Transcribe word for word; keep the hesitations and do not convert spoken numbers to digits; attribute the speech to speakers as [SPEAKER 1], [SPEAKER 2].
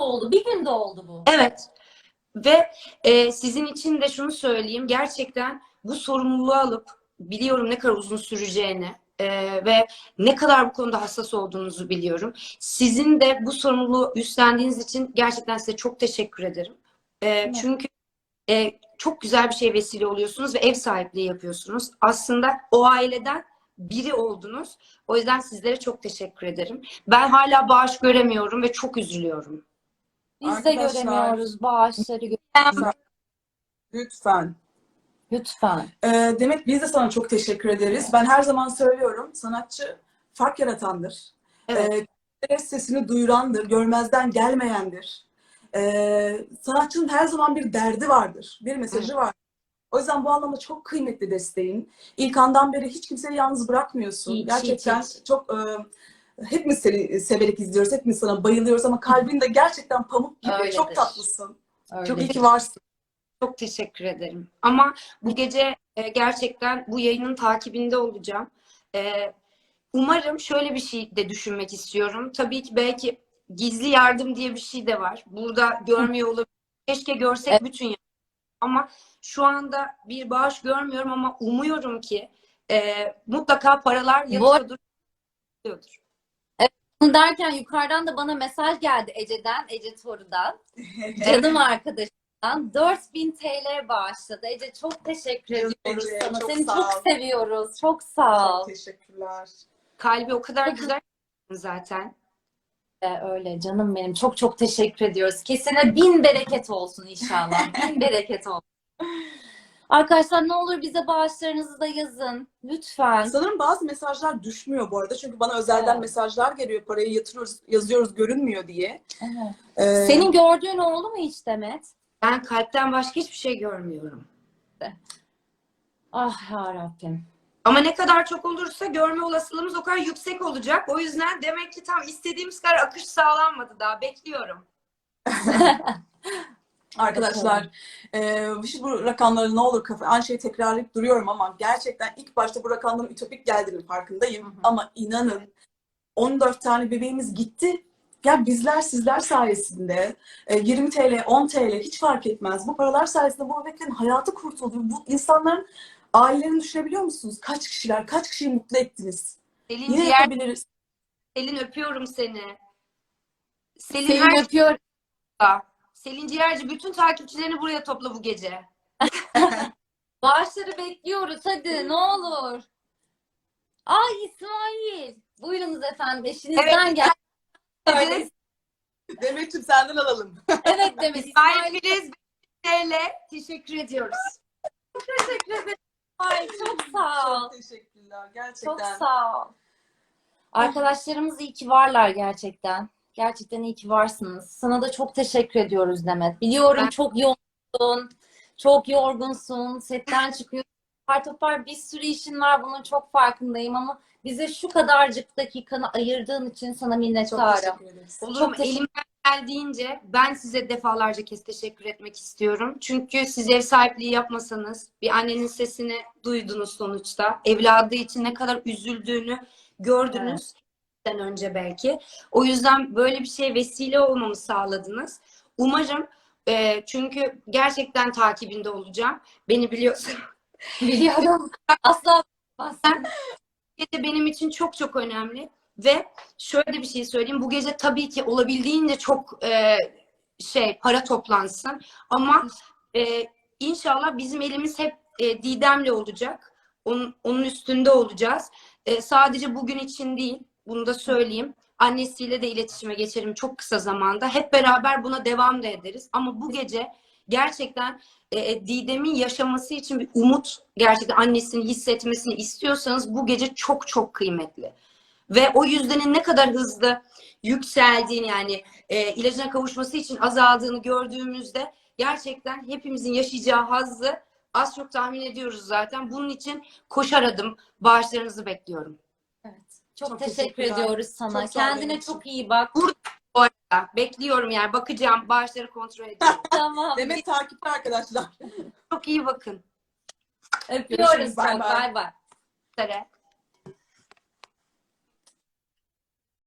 [SPEAKER 1] oldu. Bir günde oldu bu.
[SPEAKER 2] Evet. Ve e, sizin için de şunu söyleyeyim. Gerçekten bu sorumluluğu alıp biliyorum ne kadar uzun süreceğini e, ve ne kadar bu konuda hassas olduğunuzu biliyorum. Sizin de bu sorumluluğu üstlendiğiniz için gerçekten size çok teşekkür ederim. E, çünkü e, çok güzel bir şey vesile oluyorsunuz ve ev sahipliği yapıyorsunuz. Aslında o aileden biri oldunuz. O yüzden sizlere çok teşekkür ederim. Ben hala bağış göremiyorum ve çok üzülüyorum.
[SPEAKER 1] Biz de
[SPEAKER 3] Arkadaşlar,
[SPEAKER 1] göremiyoruz bağışları.
[SPEAKER 3] lütfen. Lütfen.
[SPEAKER 1] Lütfen.
[SPEAKER 3] Ee, Demet, biz de sana çok teşekkür ederiz. Ben her zaman söylüyorum, sanatçı fark yaratandır.
[SPEAKER 2] Evet.
[SPEAKER 3] Ee, sesini duyurandır, görmezden gelmeyendir. Ee, sanatçının her zaman bir derdi vardır, bir mesajı var. O yüzden bu anlamda çok kıymetli desteğin. İlk andan beri hiç kimseyi yalnız bırakmıyorsun.
[SPEAKER 1] Hiç,
[SPEAKER 3] Gerçekten
[SPEAKER 1] hiç, hiç.
[SPEAKER 3] çok... E, hepimiz seni severek izliyoruz, hepimiz sana bayılıyoruz ama kalbin de gerçekten pamuk gibi.
[SPEAKER 1] Öyledir.
[SPEAKER 3] Çok tatlısın.
[SPEAKER 1] Öyledir.
[SPEAKER 3] Çok iyi ki varsın.
[SPEAKER 2] Çok teşekkür ederim. Ama bu gece e, gerçekten bu yayının takibinde olacağım. E, umarım şöyle bir şey de düşünmek istiyorum. Tabii ki belki gizli yardım diye bir şey de var. Burada görmüyor olabilir. Keşke görsek
[SPEAKER 1] Evet.
[SPEAKER 2] bütün yardım. Ama şu anda bir bağış görmüyorum ama umuyorum ki e, mutlaka paralar yatıyordur. yatıyordur.
[SPEAKER 1] Bunu derken yukarıdan da bana mesaj geldi Ece'den, Ece Toru'dan. Canım arkadaşımdan. dört bin T L bağışladı. Ece çok teşekkür
[SPEAKER 3] Canım
[SPEAKER 1] ediyoruz
[SPEAKER 3] Ece,
[SPEAKER 1] sana.
[SPEAKER 3] çok
[SPEAKER 1] Seni
[SPEAKER 3] sağ
[SPEAKER 1] çok
[SPEAKER 3] ol.
[SPEAKER 1] seviyoruz. Çok sağ ol.
[SPEAKER 3] Çok teşekkürler.
[SPEAKER 2] Kalbi o kadar güzel zaten.
[SPEAKER 1] Ee, Öyle canım benim. Çok çok teşekkür ediyoruz. Kesene bin bereket olsun inşallah. Bin bereket olsun. Arkadaşlar ne olur bize bağışlarınızı da yazın. Lütfen.
[SPEAKER 3] Sanırım bazı mesajlar düşmüyor bu arada. Çünkü bana özelden
[SPEAKER 1] Evet.
[SPEAKER 3] mesajlar geliyor. Parayı yatırıyoruz, yazıyoruz, görünmüyor diye.
[SPEAKER 1] Evet.
[SPEAKER 3] Ee,
[SPEAKER 1] Senin gördüğün oldu mu hiç Demet?
[SPEAKER 2] Ben kalpten başka hiçbir şey görmüyorum.
[SPEAKER 1] Ah yarabbim.
[SPEAKER 2] Ama ne kadar çok olursa görme olasılığımız o kadar yüksek olacak. O yüzden demek ki tam istediğimiz kadar akış sağlanmadı daha. Bekliyorum.
[SPEAKER 3] Arkadaşlar, e, şu bu rakamları ne olur kafa, aynı şeyi tekrarlayıp duruyorum ama gerçekten ilk başta bu rakamların ütopik geldiğinin farkındayım.
[SPEAKER 1] Hı hı.
[SPEAKER 3] Ama inanın on dört tane bebeğimiz gitti. Ya bizler sizler sayesinde e, yirmi T L, on T L hiç fark etmez. Bu paralar sayesinde bu bebeklerin hayatı kurtuldu. Bu insanların ailelerini düşünebiliyor musunuz? Kaç kişiler, kaç kişiyi mutlu ettiniz?
[SPEAKER 2] Selin
[SPEAKER 3] Yine
[SPEAKER 2] ciğer,
[SPEAKER 3] yapabiliriz.
[SPEAKER 2] Selin öpüyorum seni. Selin
[SPEAKER 1] Seni
[SPEAKER 2] her
[SPEAKER 1] öpüyorum.
[SPEAKER 2] şeyde. Selin Ciğerci bütün takipçilerini buraya topla bu gece.
[SPEAKER 1] Bağışları bekliyoruz hadi ne olur. Ay İsmail. Buyurunuz efendim eşinizden
[SPEAKER 2] Evet.
[SPEAKER 1] gel.
[SPEAKER 2] Evet.
[SPEAKER 3] Demet'ciğim senden alalım.
[SPEAKER 1] Evet Demet.
[SPEAKER 2] İsmail
[SPEAKER 1] İsmail.
[SPEAKER 2] Filiz T L teşekkür ediyoruz.
[SPEAKER 1] Teşekkür ederim. Ay çok sağ ol.
[SPEAKER 3] Çok teşekkürler. Gerçekten.
[SPEAKER 1] Çok sağ ol. Arkadaşlarımız iyi ki varlar gerçekten. Gerçekten iyi ki varsınız. Sana da çok teşekkür ediyoruz Demet. Biliyorum
[SPEAKER 2] Ben-
[SPEAKER 1] çok yoğunsun. Çok yorgunsun. Setten çıkıyorsun. Apar topar bir sürü işin var. Bunun çok farkındayım ama bize şu kadarcık dakikanı ayırdığın için sana
[SPEAKER 3] Çok
[SPEAKER 1] minnettarım.
[SPEAKER 3] teşekkür ederiz.
[SPEAKER 2] Olur
[SPEAKER 1] Çok
[SPEAKER 2] mu?
[SPEAKER 1] teşekkür-
[SPEAKER 2] Elimden geldiğince ben size defalarca kez teşekkür etmek istiyorum. Çünkü siz ev sahipliği yapmasanız bir annenin sesini duydunuz sonuçta. Evladı için ne kadar üzüldüğünü gördünüz. Evet. Önce belki. O yüzden böyle bir şeye vesile olmamı sağladınız. Umarım e, çünkü gerçekten takibinde olacağım. Beni biliyorsun.
[SPEAKER 1] Biliyorum. Asla
[SPEAKER 2] Sen gece benim için çok çok önemli ve şöyle bir şey söyleyeyim. Bu gece tabii ki olabildiğince çok e, şey para toplansın ama e, inşallah bizim elimiz hep e, Didem'le olacak. Onun, onun üstünde olacağız. E, sadece bugün için değil. Bunu da söyleyeyim. Annesiyle de iletişime geçerim çok kısa zamanda. Hep beraber buna devam da ederiz. Ama bu gece gerçekten e, Didem'in yaşaması için bir umut, gerçekten annesini hissetmesini istiyorsanız bu gece çok çok kıymetli. Ve o yüzdenin ne kadar hızlı yükseldiğini, yani e, ilacına kavuşması için azaldığını gördüğümüzde gerçekten hepimizin yaşayacağı hazzı az çok tahmin ediyoruz zaten. Bunun için koşar adım bağışlarınızı bekliyorum.
[SPEAKER 1] Evet. Çok,
[SPEAKER 3] Çok
[SPEAKER 1] teşekkür
[SPEAKER 3] teşekkürler.
[SPEAKER 1] ediyoruz sana.
[SPEAKER 3] Çok sağ ol
[SPEAKER 1] Kendine
[SPEAKER 3] benim
[SPEAKER 1] çok
[SPEAKER 3] için.
[SPEAKER 1] iyi bak.
[SPEAKER 2] Bu arada bekliyorum, yani bakacağım, bağışları kontrol ediyorum.
[SPEAKER 1] Tamam.
[SPEAKER 3] Demet takipte arkadaşlar.
[SPEAKER 2] Çok iyi bakın.
[SPEAKER 1] Öpüyoruz
[SPEAKER 3] Görüşürüz, bay
[SPEAKER 1] çok.
[SPEAKER 3] bay.
[SPEAKER 1] Bay bay.
[SPEAKER 2] Üzere.